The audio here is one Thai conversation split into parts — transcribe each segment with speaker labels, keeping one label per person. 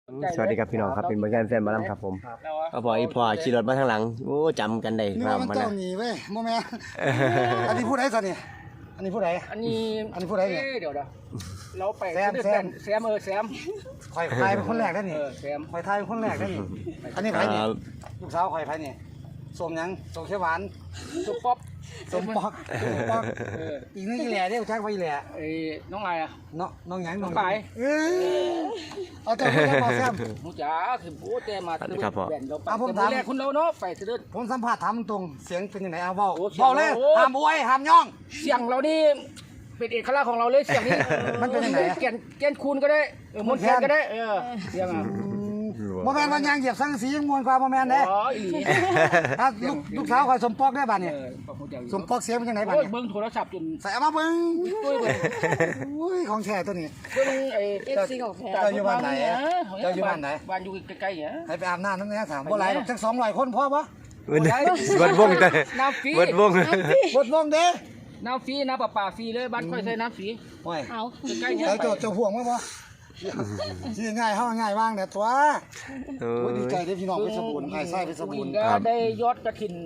Speaker 1: สวัสดีครับพี่น้องครับเป็นเหมือนกันแฟนบอลลัมครับผมก็พอพอขี่รถมาทางหลังโอ้จำกันได้ค
Speaker 2: นี่
Speaker 1: รับ
Speaker 2: มันเจ้าหนีเว้ยโมแม่อันนี้พูดได้สันนี่อันนี้พูดได้
Speaker 3: อันนี้
Speaker 2: พูดได้เนี่ย
Speaker 3: เดี๋ยวเราไป
Speaker 2: แซม
Speaker 3: แซม
Speaker 2: คอยทายเป็นคนแรกได้นี่
Speaker 3: แซม
Speaker 2: คอยทายเป็นคนแรกได้นี่อันนี้ใครนี่ลูกสาวคอยใครนี่สมยังสมเขียวหวาน
Speaker 3: สุป๊อป
Speaker 2: สมปอกอีกนี่แหล่ได้ชักไปแหล่
Speaker 3: น้องไงอ่ะ
Speaker 2: น้องหยังน้อง
Speaker 3: ไป
Speaker 2: เอาเจ้าพูดได้บอกแซม
Speaker 3: มูจ๋าคือโอ้แต่มาแบ่งเราไป
Speaker 2: ผมถาม
Speaker 3: แรกคุณเราเนาะไปเสด็จ
Speaker 2: ผมสัมผัสถามตรงเสียงเป็นยังไงเอาเบาเลยห้ามอวยห้ามย่อง
Speaker 3: เสียงเรานี่เป็นเอกลักษณ์ของเราเลยเสียงนี้
Speaker 2: มันเป็นยังไง
Speaker 3: แกนคูณก็ได้มนแคนก็ได้เสียงอ่ะ
Speaker 2: โมแมนมันยังเหยียบสังสียังมวนกว่าโมแมนเด้ลูกสาวคอยสมปอกได้บ้านเนี่ยสมปอกเสียงเป็นยังไงบ้านเนี่ย
Speaker 3: เบิ้งโทรศัพท์จน
Speaker 2: ใส่มาเบิ้งอุ้ยของแท้ตัวนี้
Speaker 3: เบิ้ง
Speaker 2: FC ของแท้เจ้าอยู่บ้านไหนเจ้าอยู่บ้านไหน
Speaker 3: บ้านอยู่ใกล้ๆเนี่ย
Speaker 2: ให้ไปอาบน้ำนั่นนะถามบ่หลายสัก200คนพอปะ
Speaker 1: บดวงแต่
Speaker 3: น้ำฟรี
Speaker 1: บดวง
Speaker 2: เด้
Speaker 3: น้ำฟรีน้ำประปาฟรีเลยบ้านค่อยใช้น้ำฟรี
Speaker 2: เอาใกล้ๆเนี่ยเจ้าห่วงมั้ยปะที่ง่ายง่ายว่างเนี่ยตัวดีใจได้พี่น้องเพชรบูรณ์ไอ้ไส้เพชรบูรณ์
Speaker 3: ก็ได้ยอดกระถิ่น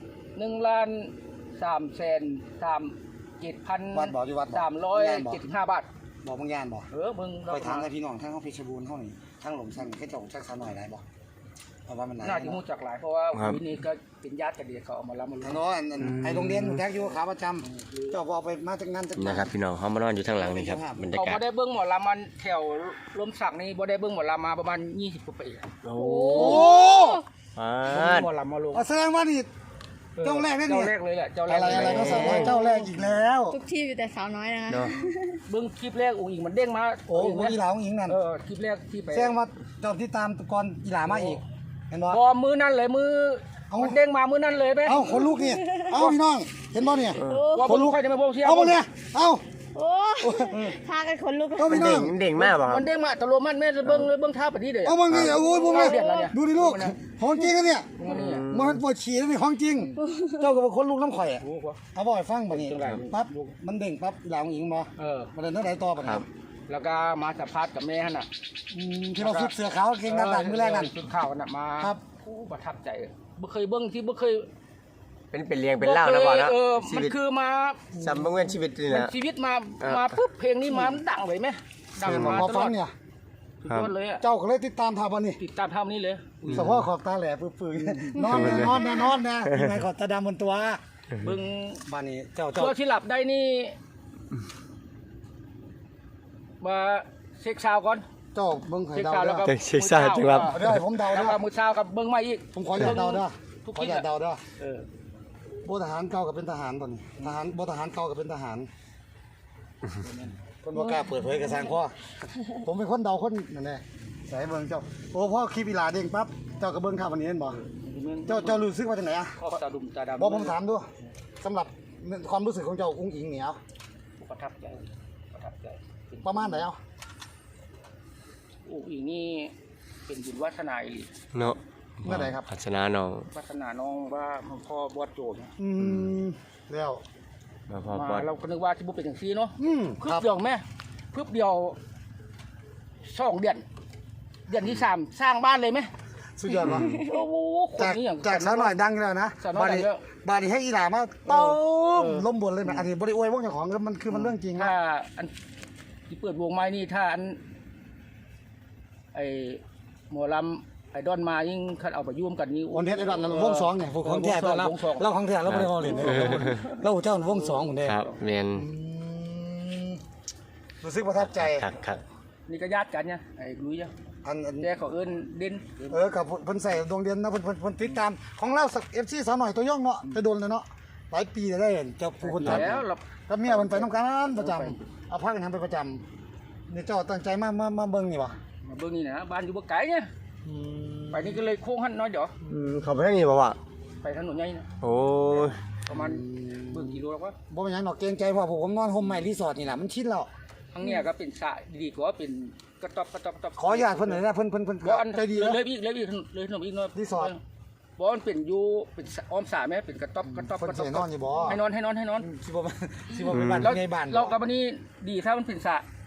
Speaker 3: 1,337,375 บาท
Speaker 2: บอกบางยานบอก
Speaker 3: มึง
Speaker 2: ไปทางไอ้พี่น้องทั้งเขาเพชรบูรณ์เขานี่ทั้งหลงสันแค่จงชักสาหน่อยได้บอกเพราะว่ามัน
Speaker 3: น่าจะมู้จักหลายเพราะว่าวินี้ก็เป็นญาติกันเดียเขาเอามาล้ำมา
Speaker 2: ลุ้นน้อยไอ้โรงเรียนแท็กอยู่ขาประจำเจ้าบอกไปมาจากงาน
Speaker 1: นะครับพี่น้องเขามานอนอยู่ทางหลังนี่ครับบรรยากาศ
Speaker 3: เขาได้เบิ้งหมอลำมันแถวลมสักนี่บ่ได้เบิ้งหมอลำมาประมาณ20 กว่าปี
Speaker 1: โอ้
Speaker 3: หมอลำมาลง
Speaker 2: แสดงว่านี่เจ้าแรกนี่
Speaker 3: เจ้าแรกเลยแหละเจ้าแรก
Speaker 2: อะไรก็สาวน้อยเจ้าแรกอีกแล้ว
Speaker 4: ทุกที่มีแต่สาวน้อยนะคะ
Speaker 3: เบิ้งคลิปแรกอุ้งอิงมันเด้งมา
Speaker 2: โอ้อีหลาอุ้งอิงนั่น
Speaker 3: คลิปแรกที่ไป
Speaker 2: แสดงว่าเจ้าที่ตามก่อนอีหลามาอีกเห็นบ่
Speaker 3: พอมือนั่นเลยมือมันเด้งมามือนั่นเลยไหม
Speaker 2: คนลูกนี่พี่น้องเห็นบ่เนี่ย
Speaker 3: คนลูกใครจะมาบอกเชียร์
Speaker 2: บ่เนี่ย
Speaker 4: โอ้พากันคนลุก
Speaker 1: มันเด้งมากป่ะ
Speaker 3: มันเด้งมาตะโลมันแม่เบิ้งท่าปฏิเดี๋ยว
Speaker 2: มึงนี่โอ้ยพวกนี้ดูดิลูกของจริงกันเนี่ยมันปวดฉี่แล้วนี่ของจริงเจ้ากับคนลูกน้ำข่อยเอาบ่อยฟังบ่นี่ปั๊บมันเด้งปั๊บหลังหญิงบ่ประเด็นเท่าไหร่ต่อปะครับ
Speaker 3: แล้วก็มาสัมภาษณ์กับแม่ฮะน่ะ
Speaker 2: ที่เราฝึกเสือขาวเก่งด้านหลังมือแรกนั่น
Speaker 3: ฝึกข่าวน่ะมา
Speaker 2: ครับ
Speaker 3: ประทับใจบ่เคยเบิ้งที่บ่เคย
Speaker 1: เป็นเรียงเป็นเล่านะบ่นะ
Speaker 3: มันคือมา
Speaker 1: สัมบังเวียนชีวิตนี่นะ
Speaker 3: ชีวิตมาปุ๊บเพลงนี้มาดังเลยไหม
Speaker 2: ดังมาตลอดเนี่ยเจ้าก็เลยติดตามทำวันนี้
Speaker 3: ติดตามทำนี้เลย
Speaker 2: เฉพาะขอบตาแหล่ปื้ๆนอนนะยังไงขอบตาดำบนตัว
Speaker 3: เบิ้ง
Speaker 2: บ้านนี้เจ้า
Speaker 3: ที่หลับได้นี่มาเช็คซาวก่อน
Speaker 2: เจ้าเบิ้งไข่ดาว
Speaker 1: แล้วก็เช็คซาวจังครับ
Speaker 2: ได้ผมเดาได้
Speaker 3: มือซาวกับเบิ้งมาอีก
Speaker 2: ผมขออยากเดาได้ขออยากเดาได้โบทหารเก่ากับเป็นทหารตอนนี้ทหารโบทหารเก่ากับเป็นทหารคนว่ากล้าเปิดเผยกระซังพ่อผมเป็นคนเดาคนนั่นแหละใส่เบิ้งเจ้าโอ้พ่อคลิปอีลาเด้งปั๊บเจ้ากระเบิ้งข่าววันนี้เห็นบ่เจ้ารู้สึกว่าจังไหนอ่ะ
Speaker 3: ตาดุมตาดำ
Speaker 2: บอกผมถามดูสำหรับความรู้สึกของเจ้าอุ้งอิงเหนียว
Speaker 3: ประทับใจ
Speaker 2: ประมาณไหนเอา
Speaker 3: อุ้งอิงนี่เป็นบุญวัฒนาอี
Speaker 1: เนาะ
Speaker 2: เมื่อไหร่ครับ
Speaker 1: พัฒนาน้อง
Speaker 3: พัฒนาน้องว่าพ่อบอสโจเนี่ย
Speaker 2: แล้ว
Speaker 3: มาเราก็นึกว่าที่บุเป็นอย่างซีเนาะพึบเดียวแม่พึบเดียว2 เดือนที่3สร้างบ้านเลยไหม
Speaker 2: สุดยอดวะ
Speaker 3: โอ้โห
Speaker 2: จากสาวหน่อยดังแล้วนะบาดีให้อีหลามาต้มล้มบนเลยนะอันนี้บริอวยวงเจ้าของมันคือมันเรื่องจริงนะ
Speaker 3: ถ้าอันที่เปิดวงไม้นี่ถ้าอันไอหมอลำไอดอนมายิ่งคัดเอาไปยุ่มกันนี่
Speaker 2: วันเทศไอดอนวง2เนี่ยของแท้ตัวเราของแท้เราไม่ได้เอาเหรียญเราเจ้าวง2คนเดียว
Speaker 1: ครับเมียน
Speaker 2: รู้สึกประทับใจ
Speaker 1: ครับ
Speaker 3: นี่ก็ญาติกันเนี่ยไอ้ลุยเนี่ยแต่เขาเอิ้นเด่น
Speaker 2: กับเพิ่นใส่ดวงเด่นนะเพิ่นติดตามของเราสัก FC สาวหน่อยตัวย่องเนาะไปโดนเลยเนาะหลายปีได้เห็นเจ้าผู้คนทำแล้วเมียมันไปน้ำกันประจำเอาพักกันทำไปประจำนี่เจ้าตั้งใจมาเบิ้งนี่วะ
Speaker 3: มาเบิ้งนี่นะบ้านอยู่บ่ไกลเนี่ยไปนี่ก็เลยโค้งหันน้อยเดี๋ยว
Speaker 1: เขาไปทางนี้บ่วะ
Speaker 3: ไปถนนใหญ่นะ
Speaker 1: โอ้
Speaker 3: ประมาณเบิ้งกิโลแล้วก็
Speaker 2: บ่เป็นหยังดอกเกรงใจเพราะผมนอนโฮมใหม่รีสอร์ทนี่แหละมันชินแล้ว
Speaker 3: ทั้งเนี้ยก็เป็นสระดีกว่าเป็นกระต๊อบ
Speaker 2: ขออยากเพิ่นหน่อยนะเพิ่นใจดี
Speaker 3: เลยอีกเลยถนนอีกเนาะ
Speaker 2: รีสอร์ท
Speaker 3: บ่มันเป็นอยู่เป็นอ้อมสระแม่เป็นกระต๊อบ
Speaker 2: ให้นอนอยู่บ่
Speaker 3: ให้นอน
Speaker 2: สิบ่เป็นบ้านในบ้าน
Speaker 3: เรากับวันนี้ดีถ้ามันเป็นสระ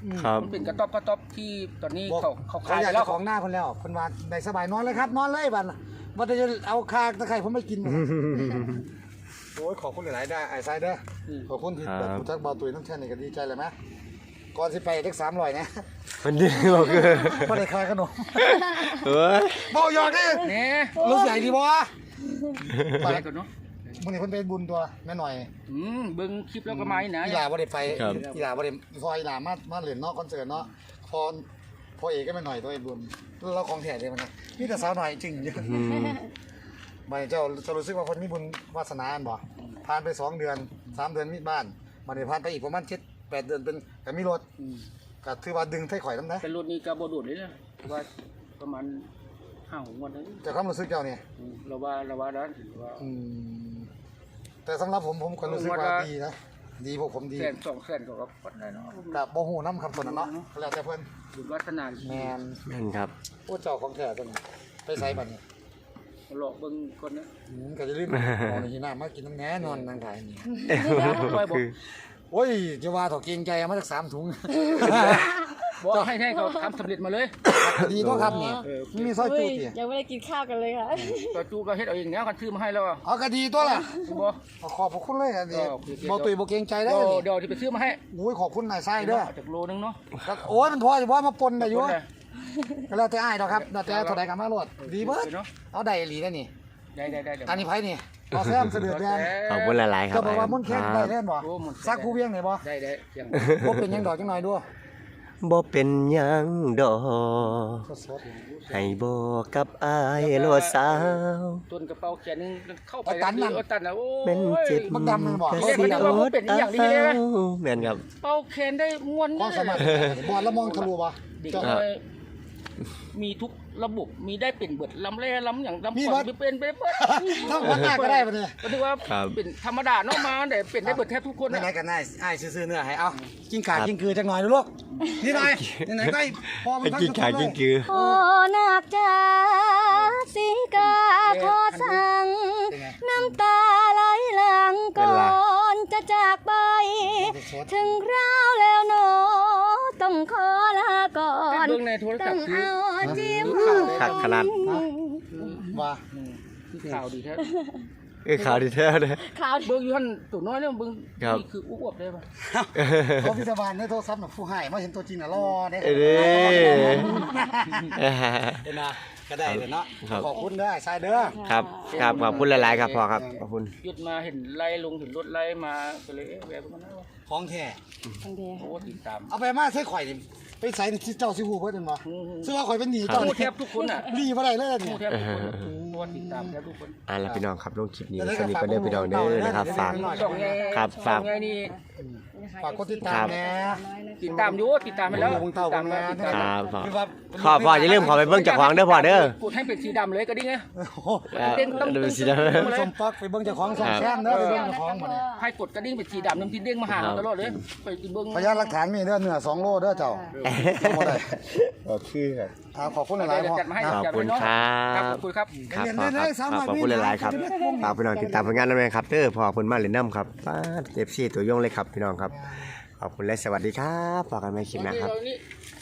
Speaker 1: ครับ
Speaker 3: มันเป็นกระต๊อบที่ตอนนี้
Speaker 2: บอก
Speaker 3: เขา
Speaker 2: เขา
Speaker 3: ขาย
Speaker 2: อยาก
Speaker 3: แล้
Speaker 2: จะ
Speaker 3: ว
Speaker 2: ของหน้าคนแล้วคนว่าได้สบายนอนเลยครับนอนเลยบัดว่าจะเอาคาตะไคร่ผมไม่กินโอ้ยขอบคุณหลายๆได้ไอ้ไซเด้อขอบคุณที่แบบผู้ทักเบาตุยน้ำแช่นี่ก็ดีใจเลยไหมก่อนสิไปเด็ก300นะ
Speaker 1: มันดีบอกคือ
Speaker 2: พอได้คาขนม
Speaker 1: เฮ้ย
Speaker 2: บอกหยอกดิ
Speaker 3: เนี่ย
Speaker 2: รู้สึกใหญ่ดีบ่
Speaker 3: ไปก่อนเนาะ
Speaker 2: มื้อนี้เพิ่นไปบุญตัวแม่หน่อย
Speaker 3: เบิ่งคลิปแล้วก็มาอีกนะ
Speaker 2: อีหลาบ่ได้ไปอีหลาบ่ได้พออีหลามาเล่นเนาะคอนเสิร์ตเนาะพอเอกก็แม่หน่อยตัวไอ้บุญเราของแท้เลยมันมีแต่สาวหน่อยจริงอยู่บ่เจ้าจะรู้สึกว่าคนมีบุญวาสนาอันบ่ผ่านไป2เดือน3เดือนมีบ้านมันได้ผ่านไปอีกประมาณ7-8เดือนเป็นก็มีรถก็ถือว่าดึงไทข่อยนำได้
Speaker 3: เป็นรถนี้ก็บ่โดดเลยนะว่าประมาณ5-6 วันนั้น
Speaker 2: แต่ความรู้สึกเจ้านี่
Speaker 3: เราว่านั้นว่า
Speaker 2: แต่สำหรับผมก็รู้สึกว่าดีนะดีพวกผมดี
Speaker 3: แสน2แสนก็ปัดได้เนาะ
Speaker 2: กับบ่ฮู้นำคำคนนั้นเนาะแล้วแต่เพิ่น
Speaker 3: บุญวัฒนา
Speaker 2: แม่น
Speaker 1: นั่นครับ
Speaker 2: โอ้เจ้าของแท้ตัวนี้ไปใส่บัดนี้
Speaker 3: หลอกเบิ่งคนนะ
Speaker 2: ก็จะรีบเอาในที่น้ามากินน้ำแหน่นอนนางถ่ายนี่
Speaker 3: บอก
Speaker 2: โอ้ยจะว่าถอเกรงใจเอามาจาก3ถุง
Speaker 3: บอกให้เขาทำสำเร็จมาเลย
Speaker 2: ดีตัวครับนี่มีซอยจู
Speaker 4: เฮ้ย
Speaker 2: ติ
Speaker 4: ยังไม่ได้กินข้าวกันเลยค่ะ
Speaker 3: ตัวจูก็เฮ็ดเอาเองแล้วกันซื้อมาให้แล้ว
Speaker 2: เอาก็ดีตัวล่ะ
Speaker 3: บ่
Speaker 2: ขอบพระคุณเลยอันนี้บ่ตุยบ่เกรงใจได้
Speaker 3: เดี๋ยวที่ไปซื้อมาให้
Speaker 2: โอ้ยขอบคุณนายไส้เด้อ
Speaker 3: จากโลนึงเนาะ
Speaker 2: โอ้ยมันพอจะว่ามาปนได้อยู่ก็แล้วแต่อ้ายดอกครับแล้วแต่เท่าใดกันมาโลดดีเบิดเอาได้อีหลีได้นี่
Speaker 3: ได้
Speaker 2: อันนี้ไผนี่เอาแซมเสด็จแดน
Speaker 1: ขอบคุณหลายๆครับ
Speaker 2: จะบอกว่ามุ่นแค่ได้แน่นบ่ซักผู้เวียงไหนบ่
Speaker 3: ได้อย่าง
Speaker 2: บ่เป็นหยังดอกจังหน่อยด้วย
Speaker 1: บ่เป็นหยังดอก
Speaker 2: สด
Speaker 1: ให้บอกกับอายโลดสาว
Speaker 3: ต้นกระเป๋าแขนนึงเข้าไปตันนะโอ้
Speaker 1: เป็นเจ็บ
Speaker 2: มันดำมันบ่
Speaker 1: กะ
Speaker 2: เฮ้ย
Speaker 1: สิ
Speaker 2: มันดำ
Speaker 1: โอ
Speaker 3: มัน
Speaker 1: ด
Speaker 3: เป็นอย่างนี้
Speaker 1: เอา
Speaker 3: เลยไหม
Speaker 1: แม่นครับ
Speaker 3: เป่าแขนได้ม้วน
Speaker 2: ความสามารถบ่แล้วมองทะลุบ่
Speaker 3: เด็กน้อยมีทุกระบบมีได้เป็นเบิดลำแร่ลำอย่างลำก่อนเป็นไปเบิด
Speaker 2: ถ้าวันหน้าก็ได้บ่เนี่ย
Speaker 3: ก็ถือว่าเป็นธรรมดาเนาะมาแต่เป็นได้เบิดแทบทุกคน
Speaker 2: ไหนๆกันได้อ้ายซื้อๆเนื้อให้เอากินขากินคือจังหน่อยลูกนี่หน่อยไหนๆได้พอมัน
Speaker 1: ไอ้
Speaker 2: ทั้ง
Speaker 1: กิ้งขากิ้งกือ
Speaker 4: โอ้นาคจ้าสีกาขอสั่ง น้ำตาไหลหลังก่อนจะจากไป ถึงคราวแล้วหนอต้องขอลาก่อน
Speaker 3: เบื้องในโทรศั
Speaker 4: ต้
Speaker 3: พ
Speaker 4: อง
Speaker 3: ท์คือ
Speaker 4: เอาจิ้ม
Speaker 1: คักขนาด
Speaker 2: ว่า
Speaker 3: ข่าวดีแท้
Speaker 1: ข่าวดีแท้เลย
Speaker 4: ข่าว
Speaker 3: เบื้องอยู่ท่านตัวน้อยเนี่ยเบื้อง
Speaker 1: ครับ
Speaker 3: นี่คืออ้วบได้ป่ะ
Speaker 2: เขาพิจารณาในโทรศัพท์น่ะผู้ให้มาเห็นตัวจริงน่ะรอได้
Speaker 1: เอ้ย
Speaker 2: เห็นนะก็ได้เลยเนาะ
Speaker 1: ครับ
Speaker 2: ขอบคุณเด้อไอ้ชายเด้อ
Speaker 1: ครับครับขอบคุณหลายๆครับพ่อครับขอบคุณ
Speaker 3: หยุดมาเห็นไล่ลงเห็นรถไล่มาก็เลยแวะมันนะ
Speaker 2: ของแท้
Speaker 4: ทันที
Speaker 3: โอ้ติดตาม
Speaker 2: เอาไปมาใส่ข่อยนี่ไปใส่ที่เจ้าสิฮู้เพิ่นบ่ซึ่งว่าข่อยเป็นหนี้เจ้า
Speaker 3: พู
Speaker 2: นี่
Speaker 3: ดแทบทุกคนอ่ะ
Speaker 2: รีบ่ได้เลย
Speaker 3: พู
Speaker 2: เนี่
Speaker 3: ด
Speaker 2: ย
Speaker 3: แทบทุกคนตัวติดตามแทบทุกคน
Speaker 1: ล่ะพี่น้องครับลงคลิปนี้สวัสดีก็เด้อพี่น้องเด้อนะครับฝาก
Speaker 3: สองไง
Speaker 1: ครับฝาก
Speaker 3: สองไงนี่
Speaker 2: ฝากกดติดตามแหน่
Speaker 3: ติดตามอยู่ติดตามไปแล้ว
Speaker 2: วงเต้า
Speaker 3: ติดตาม
Speaker 2: วงงาน
Speaker 3: ติดตาม
Speaker 1: ครับพ่อ
Speaker 2: คือว่า
Speaker 1: พ่ออย่าลืมขอไปเบิ่งเจ้าของเด้อพ่อเด้อ
Speaker 3: พูดให้เป็นสีดำเลยก็ดีไง
Speaker 2: โอ้โห
Speaker 1: ดูสินะ
Speaker 2: สมปักไปเบิ่งเจ้าของสองแซมเด้อไปเบิ่งเจ้าของบ่เนี่ย
Speaker 3: ให้กดกระดิ่งเป็นสีดำน้ำที่เด้งมาหาเราตลอดเลยไปเบิ้ง
Speaker 2: พยานหลักฐานมีเด้อเนื้อ2โลเด้อเจ้าบ่ได้
Speaker 1: โอเคครับ
Speaker 2: ขอบคุณหลายๆพ่อ
Speaker 3: จัดมาให้
Speaker 1: ขอบ
Speaker 3: จัด
Speaker 1: คุณ
Speaker 3: ไว้เนาะ
Speaker 1: ครับ
Speaker 3: ขอบคุณครับ
Speaker 1: ครับพ่อครับขอบคุณหลายๆครับฝากพี่น้องติดตามผลงานนั่นเองครับเด้อพ่อเพิ่นมาเล่นน้ำครับป้าเจ็บซี่ตัวยงเลยครับพี่น้องครับขอบคุณและสวัสดีครับฝากกันใหม่คลิปหนะครับ